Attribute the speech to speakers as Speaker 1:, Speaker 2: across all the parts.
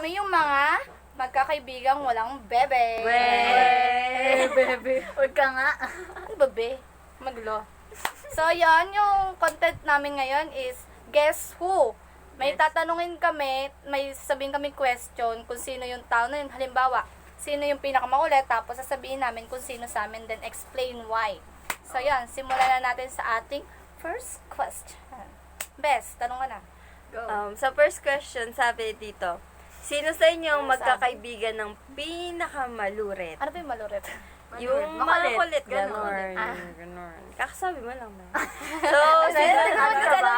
Speaker 1: kami yung mga magkakaibigang walang bebe.
Speaker 2: Bebe. Huwag ka nga.
Speaker 1: Ano ba, be? Maglo. So, yan, yung content namin ngayon is Guess Who? May tatanungin kami, may sasabihin kami question kung sino yung tao na yun. Halimbawa, sino yung pinakamakulit, tapos sasabihin namin kung sino sa amin, then explain why. So, yan, simulan na natin sa ating first question. Bes, tanong ka na.
Speaker 3: Sa first question, sabi dito, sino sa inyo ang magkakaibigan ng pinakamaluret?
Speaker 1: Ano ba yung malurit?
Speaker 3: Yung
Speaker 2: Makulit.
Speaker 3: makulit,
Speaker 2: Ganon.
Speaker 3: ganon.
Speaker 1: Ah.
Speaker 3: Ganon. Kakasabi mo lang na. So,
Speaker 2: Ano ka ba?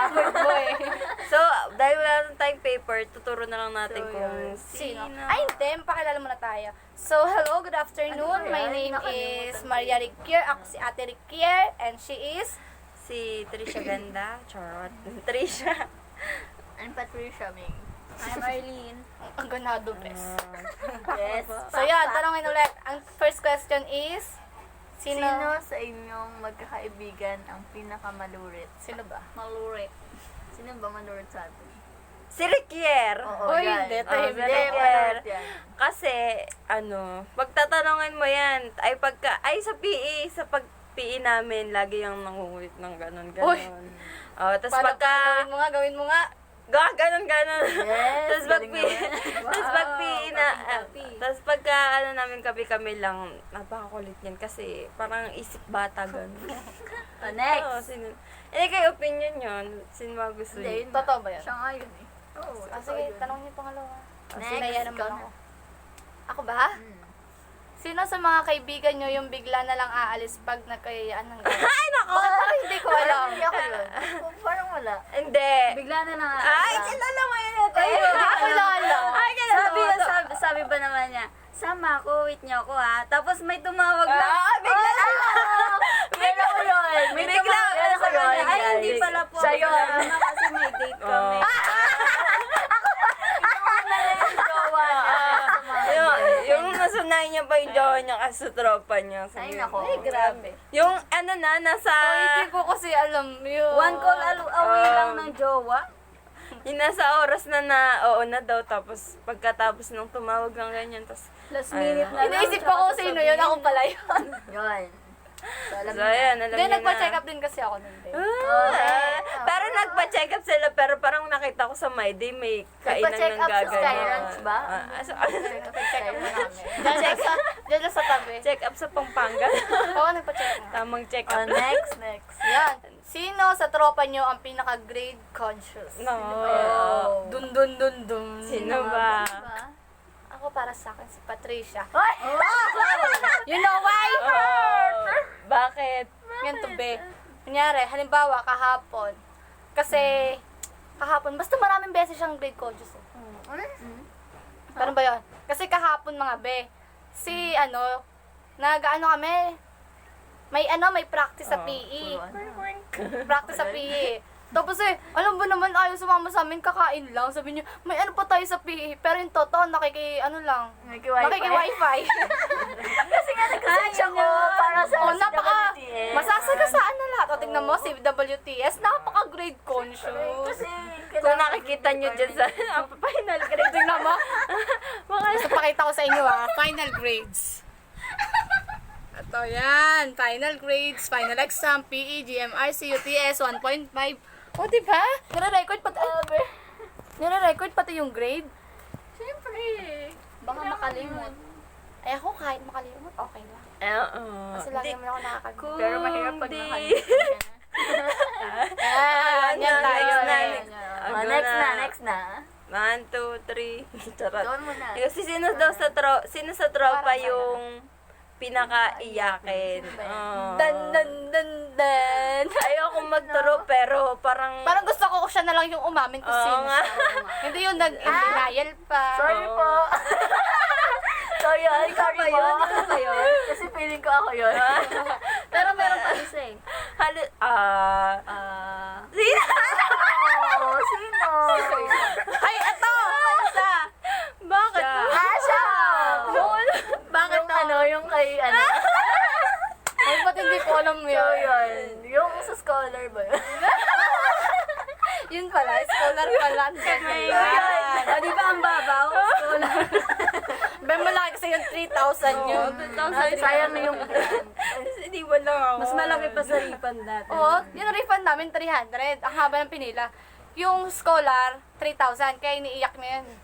Speaker 3: so, dahil wala nang tayong paper, tuturo na lang natin
Speaker 2: So,
Speaker 3: kung
Speaker 2: yun.
Speaker 1: Sino?
Speaker 3: sino.
Speaker 1: Ay, hindi. Pakilala muna tayo. So, hello, good afternoon.
Speaker 2: Ano ba
Speaker 1: My
Speaker 2: yan?
Speaker 1: name
Speaker 2: Nakalimutan
Speaker 1: is
Speaker 2: ko.
Speaker 1: Maria Riquier. Ako si Ate Riquier. And she is...
Speaker 3: Si Trisha Ganda. Charot. Trisha.
Speaker 2: I'm Patricia Ming. I'm Arlene.
Speaker 1: Ang ganado, Bes.
Speaker 2: Yes.
Speaker 1: So, yan. Tanongin ulit. Ang first question is...
Speaker 2: Sino sa inyong magkakaibigan ang pinakamalurit?
Speaker 1: Sino ba?
Speaker 2: Malurit. Sino ba malurit sa atin?
Speaker 3: Si Riquier.
Speaker 1: Uy, hindi.
Speaker 3: Oh,
Speaker 1: Tahimik.
Speaker 3: si Riquier.
Speaker 2: malurit yan.
Speaker 3: Kasi, pagtatanungin mo yan, sa PE, sa pag-PE namin, lagi yung nangungulit ng ganon.
Speaker 1: Uy.
Speaker 3: Oh, tapos
Speaker 1: Paano?
Speaker 3: pagka,
Speaker 1: Gawin mo nga.
Speaker 3: ganon.
Speaker 2: Yes,
Speaker 3: Tapos
Speaker 2: galing
Speaker 3: pag-PE,
Speaker 2: naman.
Speaker 3: tapos pag-PE na,
Speaker 2: Copy.
Speaker 3: tapos pagka, namin kami lang, napakakulit yan kasi parang isip bata ganon.
Speaker 2: Oh, next.
Speaker 3: Oo, hindi kayo opinion yun. Sino ba gusto
Speaker 2: Hindi,
Speaker 3: niyo?
Speaker 2: yun.
Speaker 1: Totoo ba yan?
Speaker 2: Siya nga yun eh. Oo,
Speaker 1: Ah,
Speaker 2: totoo
Speaker 1: sige,
Speaker 2: yun.
Speaker 1: tanong niyo pangalawa.
Speaker 2: Next,
Speaker 1: Sinaya naman
Speaker 2: ikaw
Speaker 1: ako.
Speaker 2: na.
Speaker 1: Ako ba?
Speaker 2: Hmm.
Speaker 1: Sino sa mga kaibigan nyo yung bigla na lang aalis pag nagkayaan ng gano'n?
Speaker 3: Ay, nako!
Speaker 1: Bakit parang hindi ko alam?
Speaker 2: Hindi ako yun. Parang wala.
Speaker 3: Hindi.
Speaker 2: Bigla na lang.
Speaker 3: Ay, kilala mo yun ito.
Speaker 1: Ay, hindi ko kilala.
Speaker 3: Ay, kilala
Speaker 2: Sabi,
Speaker 3: mo to.
Speaker 2: sabi ba naman niya, sama ako, wait niyo ako ha. Tapos may tumawag na.
Speaker 3: Ah, bigla na
Speaker 2: Meron ko yun.
Speaker 3: May bigla.
Speaker 2: Meron ko yun. Ay,
Speaker 3: Guys.
Speaker 2: hindi pala po.
Speaker 3: Siya
Speaker 2: ako
Speaker 3: yun.
Speaker 2: kasama kasi may date kami.
Speaker 3: Oh.
Speaker 2: Jowa na.
Speaker 3: yung nasunay niya pa yung jowa niya kasi sa tropa niya.
Speaker 2: Ay, nako.
Speaker 1: Ay, grabe.
Speaker 3: Yung nasa...
Speaker 1: Oh, hindi ko kasi alam yun.
Speaker 2: One call away lang ng jowa.
Speaker 3: Yung nasa oras oo na daw, tapos pagkatapos nung tumawag ng ganyan, tapos...
Speaker 2: Last minute na lang.
Speaker 1: Iniisip ko kung sino yun. Ako pala yun.
Speaker 2: Yun. So, alam
Speaker 3: So,
Speaker 2: niyo na.
Speaker 3: ayan, alam
Speaker 1: Hindi,
Speaker 3: niyo na.
Speaker 1: nagpa-check up din kasi ako nun din.
Speaker 3: Pero nagpa-check up sila, pero parang nakita ko sa My Day, may kainan
Speaker 2: Nagpa-check
Speaker 3: ng
Speaker 2: up sa
Speaker 3: gagawin.
Speaker 2: Sky Ranch ba?
Speaker 1: Nagpa-check up na namin. Diyan lang sa tabi.
Speaker 3: Check up sa Pampanga.
Speaker 1: Oo, nagpa-check up.
Speaker 3: Tamang check
Speaker 2: Oh,
Speaker 3: up.
Speaker 2: next.
Speaker 1: Yan. Sino sa tropa nyo ang pinaka-grade conscious?
Speaker 3: No.
Speaker 1: Dun dun dun dun.
Speaker 3: Sino ba?
Speaker 1: Ako para sa akin si Patricia.
Speaker 2: Ay!
Speaker 1: You know why?
Speaker 3: Oh, bakit?
Speaker 1: Ganito be. Kunyari, halimbawa, kahapon. Kasi, kahapon, basta maraming beses siyang grade conscious. Pero ba yun? Kasi kahapon mga be, kami, may practice sa PE. Practice sa PE. Tapos alam mo naman, ayaw sumama sa amin, kakain lang. Sabi niya, may ano pa tayo sa PE. Pero yung totoo, nakiki-wifi.
Speaker 2: Kasi nga nag-search ako para sa WTS.
Speaker 1: Masasagasaan na lahat. O, tingnan mo, si WTS, napaka-grade conscious.
Speaker 2: Kasi
Speaker 3: Kung nakikita nyo dyan sa final grade,
Speaker 1: Tingnan mo. Gusto pakita ko sa inyo final grades. Ito yan, final grades, final exam, PE, GMR, CUTS, 1.5. O, diba? Nire-record pati yung grade.
Speaker 2: Siyempre. Baka makalimot.
Speaker 1: Ay, ako kahit makalimot, okay lang. Kasi lagi naman ako nakakalimutan.
Speaker 2: Pero mahirap pag
Speaker 3: Kundi.
Speaker 2: nakalimot.
Speaker 1: Yan tayo.
Speaker 2: Next na.
Speaker 3: 1, 2, 3. Charot.
Speaker 2: Doon muna.
Speaker 3: Kasi sino sa tropa yung pinaka-iyakin?
Speaker 1: Dan, dan, dan, dan.
Speaker 3: Ayoko magturo, pero parang...
Speaker 1: Parang gusto ko siya na lang yung umamin kung
Speaker 3: Oo
Speaker 1: sino
Speaker 3: nga.
Speaker 1: siya. Hindi yung nag-denial pa.
Speaker 2: Sorry
Speaker 3: Oo.
Speaker 2: po. Sorry
Speaker 3: Ikaw ba yun? Ikaw ba yun?
Speaker 2: Kasi feeling ko ako yun. Pero meron pa isa eh.
Speaker 3: Sino?
Speaker 2: Sino?
Speaker 1: Ay, eto!
Speaker 3: Bakit?
Speaker 2: Siya!
Speaker 3: Bakit
Speaker 2: Yung kay
Speaker 1: Ay, ba't hindi ko alam
Speaker 2: So,
Speaker 1: yun?
Speaker 2: yun. Yung sa scholar ba yun?
Speaker 1: Yun pala, scholar pala.
Speaker 2: Yun. O, di ba ang babaw? Scholar.
Speaker 1: Ben, malaki kasi yung 3,000 yun.
Speaker 3: 2,000.
Speaker 2: Sayang na yung
Speaker 3: Hindi ba lang ako?
Speaker 2: mas malaki pa sa refund dati.
Speaker 1: Oo, yung refund namin 300. Ang haba ng pinila. Yung scholar, 3,000. Kaya iniiyak na yan.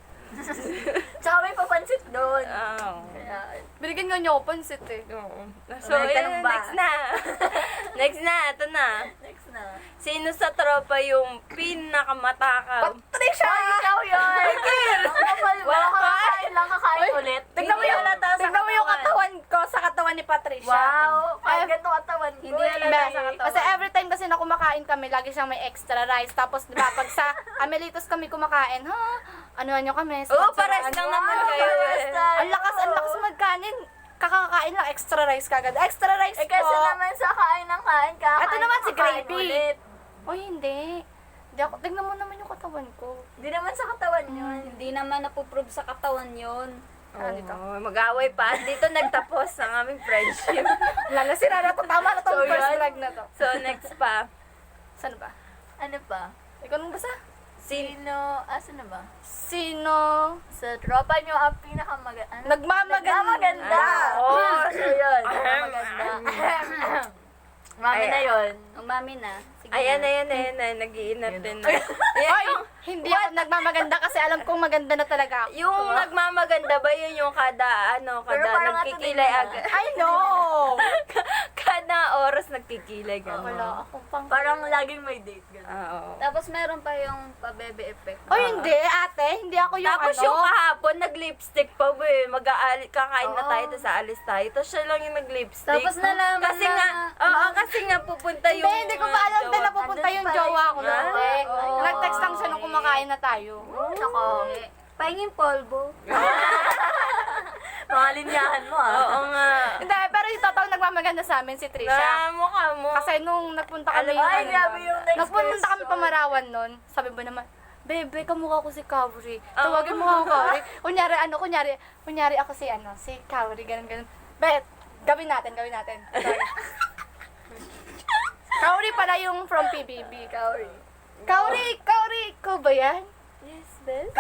Speaker 2: Tsaka may papansit doon.
Speaker 3: Oo.
Speaker 1: Binigyan nga niyo ako pansit eh.
Speaker 3: Oo. So,
Speaker 2: May tanong ba?
Speaker 3: next na. Next na, ito na.
Speaker 2: Next na.
Speaker 3: Sino sa tropa yung pinakamatakaw?
Speaker 1: Patricia!
Speaker 2: Ikaw yun! Ang kapal mo. Kakain lang, kakain ulit.
Speaker 1: Tignan mo yung, tignan mo yung katawan ko sa katawan ni Patricia.
Speaker 2: Wow! Ang ganito katawan ko. Hindi halata sa katawan.
Speaker 1: Kasi every time kasi na kumakain kami, lagi siyang may extra rice. Tapos, di ba, pag sa Amelitos kami kumakain, ha? Ano nyo kami?
Speaker 3: Oo, pares lang naman kayo.
Speaker 1: Ang lakas magkanin. Kakakain lang, extra rice kagad. Extra rice
Speaker 2: Eh kasi
Speaker 1: po.
Speaker 2: naman sa kain ng kain, kakain.
Speaker 1: Ito naman si
Speaker 2: kakain
Speaker 1: Gravy.
Speaker 2: ulit.
Speaker 1: O hindi. Di ako, tignan mo naman yung katawan ko.
Speaker 2: Hindi naman sa katawan yun. Hindi naman napuprove sa katawan yun.
Speaker 3: Oo, mag-away pa. Dito nagtapos ang aming friendship.
Speaker 1: Wala na, sira na to. Tama na to.
Speaker 2: So,
Speaker 1: First
Speaker 2: yan.
Speaker 1: vlog na to.
Speaker 3: So, next pa.
Speaker 1: Saan ba?
Speaker 2: Ano pa?
Speaker 1: Ikaw nung basa?
Speaker 2: Asan na ba?
Speaker 1: Sino?
Speaker 2: Sa tropa nyo ang pinakamaganda.
Speaker 1: Nagmamaganda.
Speaker 3: Oo.
Speaker 2: So yun, maganda. Mami na yun.
Speaker 1: Ang mami na. Sige
Speaker 3: Ayan,
Speaker 1: na.
Speaker 3: ayan. Nag-iinap din.
Speaker 1: Ay, hindi ako nagmamaganda kasi alam kong maganda na talaga ako.
Speaker 3: Yung nagmamaganda ba yun yung kada
Speaker 2: Pero parang
Speaker 3: nagkikilay
Speaker 2: ato din
Speaker 3: agad?
Speaker 1: I know!
Speaker 3: Kada oras nagkikilay ka.
Speaker 1: Wala akong pang...
Speaker 2: Parang laging may date. Ganun.
Speaker 3: Oo.
Speaker 2: Tapos meron pa yung pa-bebe effect.
Speaker 1: O hindi, ate. Hindi ako yung
Speaker 3: Tapos
Speaker 1: ano.
Speaker 3: yung kahapon, nag-lipstick pa ba eh. Kakain na
Speaker 2: Oo.
Speaker 3: tayo, tapos aalis tayo. Tapos siya lang yung nag-lipstick.
Speaker 2: Tapos nalaman
Speaker 3: kasi
Speaker 2: na-
Speaker 3: nga, oo, kasi nga pupunta
Speaker 1: Hindi,
Speaker 3: yung...
Speaker 1: hindi ko pa alam din
Speaker 3: jowa.
Speaker 1: na pupunta yung
Speaker 2: Andun pa
Speaker 1: jowa ko
Speaker 2: rin.
Speaker 1: doon. eh.
Speaker 2: Oo.
Speaker 1: Nag-text lang siya nung kumakain na tayo.
Speaker 2: Nako. Pahingin polvo. Malinyahan mo
Speaker 3: Oo nga.
Speaker 1: Hindi, pero yung totoo nagmamaganda sa amin si Trisha.
Speaker 3: Na, mukha mo.
Speaker 1: Kasi nung nagpunta kami,
Speaker 2: Ay, grabe yung next
Speaker 1: nagpunta kami
Speaker 2: question.
Speaker 1: Pamarawan nun, sabi ba naman, Bebe, kamukha ko si Kauri. Tawagin mo ako Kauri. Kunyari ako si Kauri, ganun. Bet, gawin natin. Sorry. Kauri pala yung from PBB. Kauri, ko ba yan?
Speaker 3: Yes, Beth.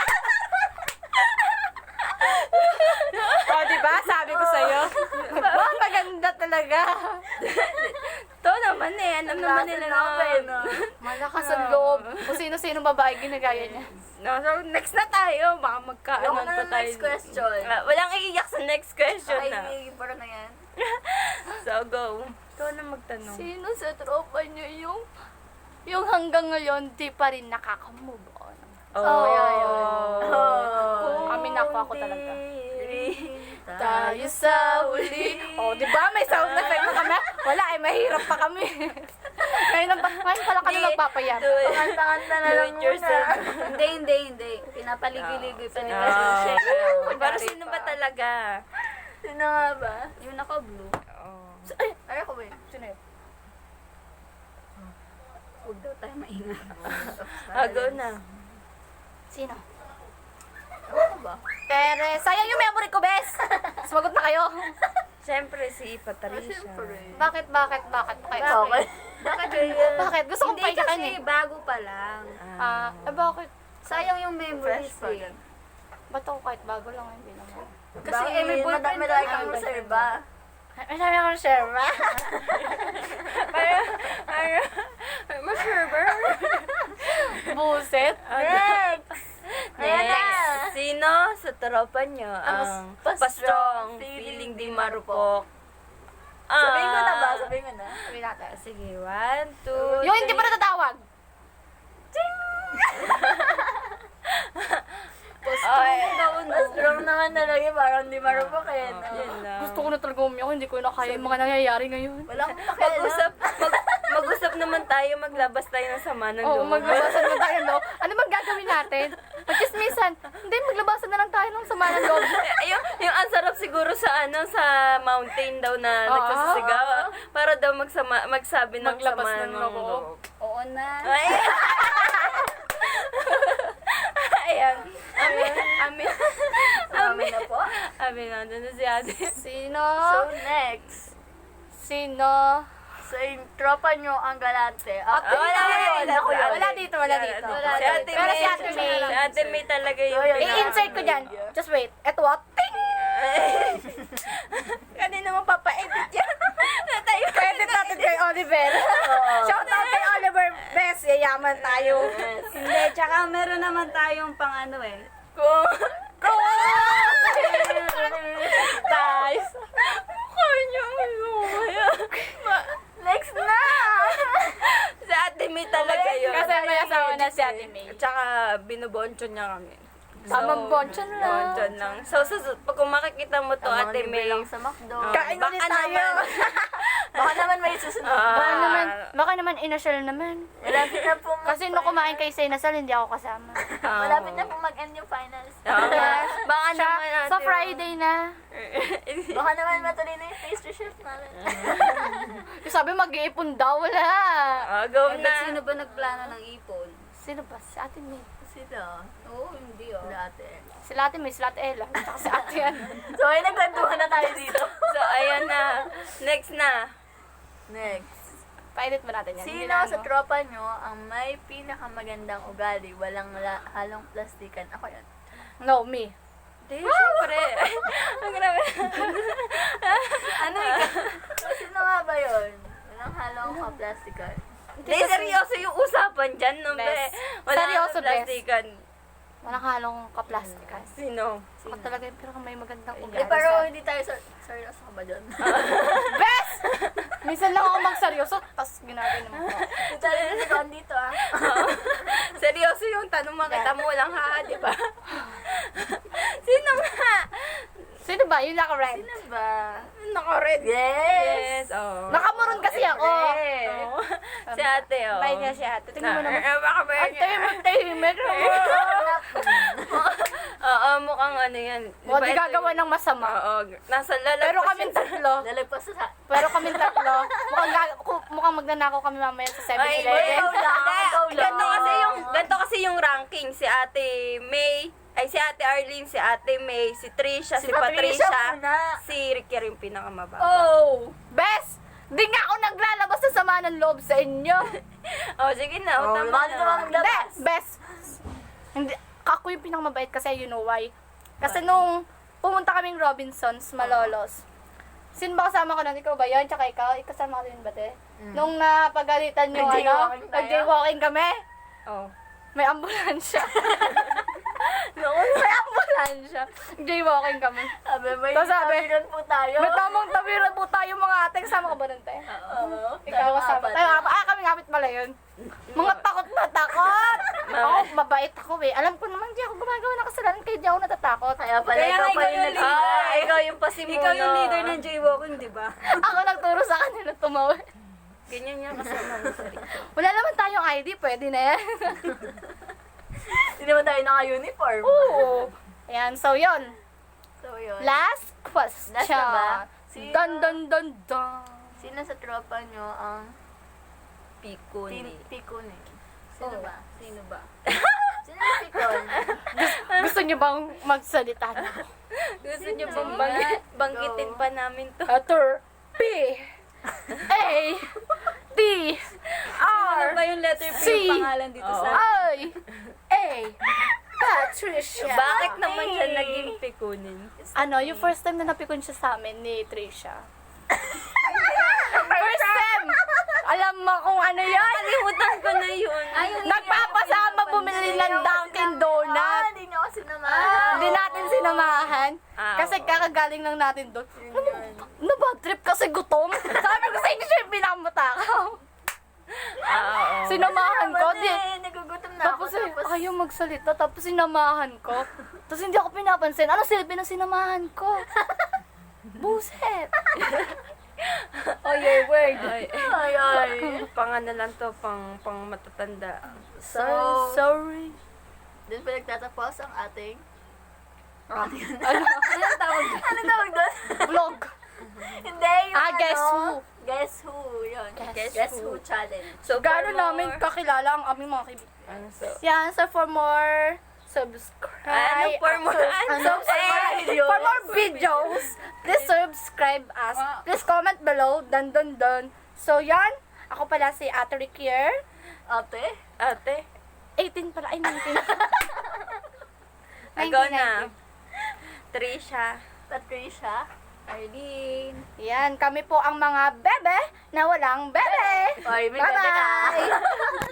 Speaker 1: O, diba? Sabi ko sa'yo. Wow, maganda talaga.
Speaker 3: To naman eh. Alam naman nila na.
Speaker 1: Malakas ang loob. Kung sino-sino babae ginagaya niya.
Speaker 3: No, so next na tayo. Baka magkaanon pa tayo.
Speaker 2: Next question.
Speaker 3: Walang iiyak sa next question na.
Speaker 2: Ay, parang na yan.
Speaker 3: So, go. Ikaw na magtanong.
Speaker 1: Sino sa tropa niyo yung hanggang ngayon di pa rin nakaka-move on?
Speaker 3: Oh,
Speaker 1: Kami ako talaga. Tayo sa uli. Oh, di ba? May sound effect pa kami. Wala, mahirap pa kami. Ngayon pala kami magpapayat.
Speaker 2: Kanta-kanta na
Speaker 3: Do
Speaker 2: lang
Speaker 3: it
Speaker 2: muna.
Speaker 3: yourself.
Speaker 2: Hindi. Pinapaligoy-ligoy pa nila.
Speaker 3: Pero sino ba talaga?
Speaker 2: Sino nga ba? Yung naka-blue.
Speaker 3: Oh.
Speaker 2: Ay, ako ba yun?
Speaker 1: Sino yun?
Speaker 2: Huwag daw tayo maingat.
Speaker 3: Go na.
Speaker 1: Sino?
Speaker 2: Ano ba?
Speaker 1: Pero, sayang yung memory ko, bes. Sumagot na kayo.
Speaker 3: Siyempre si Patricia.
Speaker 1: Bakit?
Speaker 2: Bakit?
Speaker 3: Bakit yun?
Speaker 1: Bakit? Gusto kong
Speaker 2: Hindi
Speaker 1: payakan
Speaker 2: kasi
Speaker 1: eh.
Speaker 2: bago pa lang.
Speaker 1: Bakit?
Speaker 2: Sayang yung memories eh.
Speaker 1: Ba't ako kahit bago lang, hindi naman.
Speaker 2: Kasi may boyfriend
Speaker 1: madami
Speaker 2: kang reserva.
Speaker 1: Marami akong share ba?
Speaker 3: Ma-server.
Speaker 1: Buset.
Speaker 2: Next! Ayan na.
Speaker 3: Next. Sino sa tropa nyo ang pastrong, feeling di marupok?
Speaker 2: Sabihin ko na ba? Sabihin ko na.
Speaker 1: Sabi natin.
Speaker 3: Sige, 1, 2,
Speaker 1: Yung hindi pa natatawag.
Speaker 2: Pastrong naman talaga, parang di marupok eh. no?
Speaker 3: Yan lang.
Speaker 1: Gusto ko na talaga umiyak, hindi ko na kaya yung mga nangyayari ngayon.
Speaker 2: Wala akong pakialam.
Speaker 3: Mag-usap naman tayo, maglabas tayo ng sama ng
Speaker 1: Oo,
Speaker 3: loob.
Speaker 1: maglabasan na tayo, no? Ano bang gagawin natin? Magchismisan. Hindi, maglabasan na lang tayo ng sama ng loob.
Speaker 3: yung ang sarap siguro sa sa mountain daw na nagsasasigaw. Para daw magsabi ng
Speaker 1: Maglabas
Speaker 3: sama
Speaker 1: ng
Speaker 3: ng
Speaker 1: loob.
Speaker 3: loob.
Speaker 2: Oo na.
Speaker 3: Ay. Ayan. Amin.
Speaker 2: Amin na po.
Speaker 3: Amin na. Doon na si ate.
Speaker 1: Sino?
Speaker 2: So, next.
Speaker 1: Sino?
Speaker 2: So, yung tropa nyo ang galante.
Speaker 1: Wala
Speaker 3: Wala
Speaker 1: dito.
Speaker 3: Si Ate
Speaker 1: Pero si Ate
Speaker 3: May.
Speaker 1: May.
Speaker 3: Si Ate May talaga yung
Speaker 1: I-insert ko dyan. Just wait. Eto what? Ting!
Speaker 3: Kanina mo papa-edit yan. Tayo
Speaker 1: Credit natin kay Oliver. Shout out kay Oliver. Best, yayaman tayo.
Speaker 2: Hindi, tsaka meron naman tayong pang ano eh.
Speaker 1: Guys.
Speaker 3: Kanya
Speaker 2: Next na!
Speaker 3: Si Ate May talaga yun.
Speaker 1: Kasi may asawa na si Ate May.
Speaker 3: Tsaka binuboncho niya kami.
Speaker 1: Tamang bonchon lang.
Speaker 3: Bonchon lang. So, pag kung makikita mo to, Ate May,
Speaker 2: lang sa McDo.
Speaker 1: Kain ulit
Speaker 3: baka
Speaker 1: tayo.
Speaker 3: naman.
Speaker 2: Baka naman may susunod.
Speaker 1: Baka naman inasal naman.
Speaker 2: Malapit na po
Speaker 1: Kasi nung kumain kayo sa inasal, hindi ako kasama.
Speaker 2: Malapit na po mag-end yung finals.
Speaker 3: Baka naman
Speaker 1: Sa Friday na.
Speaker 2: Baka naman matuloy na yung pastry chef namin.
Speaker 1: Sabi mag-iipon daw, wala.
Speaker 3: Go
Speaker 2: Ba't
Speaker 3: na.
Speaker 2: sino ba nagplano ng ipon?
Speaker 1: Sino ba? Si Ate May.
Speaker 2: Sila. Oo, hindi oh. Dati.
Speaker 1: Si Ate May, si Ate Ella. Tsaka si Ate yan.
Speaker 2: So, ay nagkwentuhan na tayo dito.
Speaker 3: So, ayan na. Next na.
Speaker 2: Next.
Speaker 1: Pa-edit mo natin yan. Hindi
Speaker 2: Sino
Speaker 1: na,
Speaker 2: sa
Speaker 1: ano.
Speaker 2: tropa nyo ang may pinakamagandang ugali, walang halong plastikan? Ako yan.
Speaker 1: No, me.
Speaker 3: Di, syempre. Ang grabe.
Speaker 2: Ano ikaw? Sino nga ba yun? Walang halong plastikan.
Speaker 3: Di, seryoso yung usapan dyan, no, be?
Speaker 1: Bes.
Speaker 3: Wala
Speaker 1: Seryoso,
Speaker 3: kang plastikan.
Speaker 1: Walang halong kaplastikan.
Speaker 3: Sino?
Speaker 1: Ako talaga yung pinaka may magandang
Speaker 2: Eh,
Speaker 1: ugali.
Speaker 2: pero hindi tayo seryoso ka ba dyan?
Speaker 1: Best! Minsan lang ako magseryoso, tapos ginagano mo ko.
Speaker 2: Challenge ko dito ah.
Speaker 3: Seryoso yung tanong, makita mo lang ha, di ba? Sino nga?
Speaker 1: Sino ba? Yung naka-red.
Speaker 2: Sino ba?
Speaker 3: Naka-red.
Speaker 2: Yes!
Speaker 3: Oh.
Speaker 1: Nakamuron kasi ako.
Speaker 3: Oh. Si ate, oh.
Speaker 1: Bait nga si ate. Tingnan mo naman.
Speaker 3: Baka ba
Speaker 1: Ang tahimik naman.
Speaker 3: Oo, mukhang ano yan.
Speaker 1: O, di gagawa ng masama.
Speaker 3: Oo, nasa lalagpas.
Speaker 1: Pero kaming tatlo.
Speaker 2: Lalagpas sa...
Speaker 1: Pero kaming tatlo. Mukhang magnanakaw kami mamaya sa
Speaker 3: Ay,
Speaker 1: 7-Eleven.
Speaker 3: ganito kasi yung ranking. Si Ate May, ay si Ate Arlene, si Ate May, si Trisha, si Patricia,
Speaker 2: muna.
Speaker 3: si Ricky rin pinakamababa.
Speaker 1: Oh! Best! Di nga ako naglalabas ng sama ng loob sa inyo.
Speaker 3: Oh, sige na, utama
Speaker 2: bakit naman
Speaker 3: na.
Speaker 2: maglabas?
Speaker 1: Best! Hindi, ako yung pinakamabait kasi you know why. Kasi nung pumunta kaming Robinsons, Malolos, sino ba kasama ko nun? Ikaw ba yun? Tsaka ikaw? Ikasama ka din ba, te? Nung napagalitan yung
Speaker 2: Nag-jaywalking tayo?
Speaker 1: nag-jaywalking kami,
Speaker 3: Oh.
Speaker 1: may ambulansya. May ambulansya. Jaywalking kami.
Speaker 2: Sabi, may
Speaker 1: Tapos sabi,
Speaker 2: tabiran po tayo.
Speaker 1: May tamang tawiran po tayo mga ate. Kasama ka ba nun, te?
Speaker 2: Oo.
Speaker 1: Ikaw kasama. Tayo apat. Kami ngapit pala yun. Mga takot na takot. Ako, mabait ako eh. Alam ko naman, di ako gumagawa ng kasalanan kaya di ako natatakot.
Speaker 2: Kaya pala
Speaker 3: Kaya
Speaker 2: ikaw
Speaker 3: nga
Speaker 2: pa
Speaker 3: ikaw
Speaker 2: yung
Speaker 3: yung
Speaker 2: nag-leader.
Speaker 3: leader. Ikaw yung pasimuno.
Speaker 2: Ikaw yung leader ng jaywalking, di ba?
Speaker 1: Ako nagturo sa kanila tumawa.
Speaker 3: Ganyan yung kasama mo sa Ricky.
Speaker 1: Wala naman tayong ID, pwede na yan.
Speaker 2: Hindi naman tayo naka-uniform.
Speaker 1: Oo. Ayan, so yun.
Speaker 2: So, yun.
Speaker 1: Last question.
Speaker 2: Last na ba? Sino-
Speaker 1: Dun dun dun dun.
Speaker 2: Sino sa tropa nyo ang
Speaker 3: Pikuni.
Speaker 2: pikuni? Sino
Speaker 1: Oh.
Speaker 2: ba? Sino ba? Sino yung pikon?
Speaker 1: Gusto niyo bang magsalita na?
Speaker 3: Gusto niyo
Speaker 2: Sino?
Speaker 3: bang banggitin
Speaker 2: Go.
Speaker 3: pa namin to?
Speaker 1: Letter P A T
Speaker 2: Ano
Speaker 1: R
Speaker 2: ba yung letter P
Speaker 1: C
Speaker 2: yung pangalan dito sa...
Speaker 1: I A Patricia.
Speaker 3: Bakit naman siya naging pikunin?
Speaker 1: Ano, yung first time na napikon siya sa amin ni Tricia. First time! Alam mo kung ano yan?
Speaker 3: Kalimutan ko na yun.
Speaker 1: Nagpapasama bumili ng Dunkin' Donut.
Speaker 2: Hindi niyo ako sinamahan.
Speaker 1: Hindi natin sinamahan. Kasi
Speaker 3: Oo.
Speaker 1: kakagaling lang natin doon. Ano ba trip kasi gutom? Sabi ko sa inyo siya yung pinakamatakaw.
Speaker 3: Oo.
Speaker 1: Sinamahan ko. Di,
Speaker 2: Nagugutom na ako.
Speaker 1: tapos ayaw magsalita. Tapos sinamahan ko. Tapos hindi ako pinapansin. Ano silbi ng sinamahan ko? Buset.
Speaker 2: Oh, your word.
Speaker 3: Ay,
Speaker 2: Ay, ay.
Speaker 3: pang ano lang to, pang matatanda.
Speaker 2: So,
Speaker 1: Sorry.
Speaker 2: dun pa nagtatapos ang ating...
Speaker 1: Ano?
Speaker 2: Ano tawag doon? Ano tawag doon?
Speaker 1: Vlog.
Speaker 2: Hindi, yung
Speaker 1: Guess who?
Speaker 2: Guess who, yun.
Speaker 1: Guess
Speaker 2: who challenge.
Speaker 3: So,
Speaker 1: Gano'n
Speaker 3: for more-
Speaker 1: namin kakilala ang aming mga kaibigan.
Speaker 3: Ano, so,
Speaker 1: Yan, so for more subscribe.
Speaker 3: Ano, for more-
Speaker 1: For more videos, please subscribe us. Please comment below. Dun dun dun. So yan, ako pala si Ate Rikier.
Speaker 2: Ate?
Speaker 3: ate,
Speaker 1: 18 pala, ay 19.
Speaker 3: Ikaw na. Trisha.
Speaker 2: Patricia. Arlene.
Speaker 1: Yan, kami po ang mga bebe na walang bebe.
Speaker 2: Oy, may bebe ka.
Speaker 1: Bye-bye!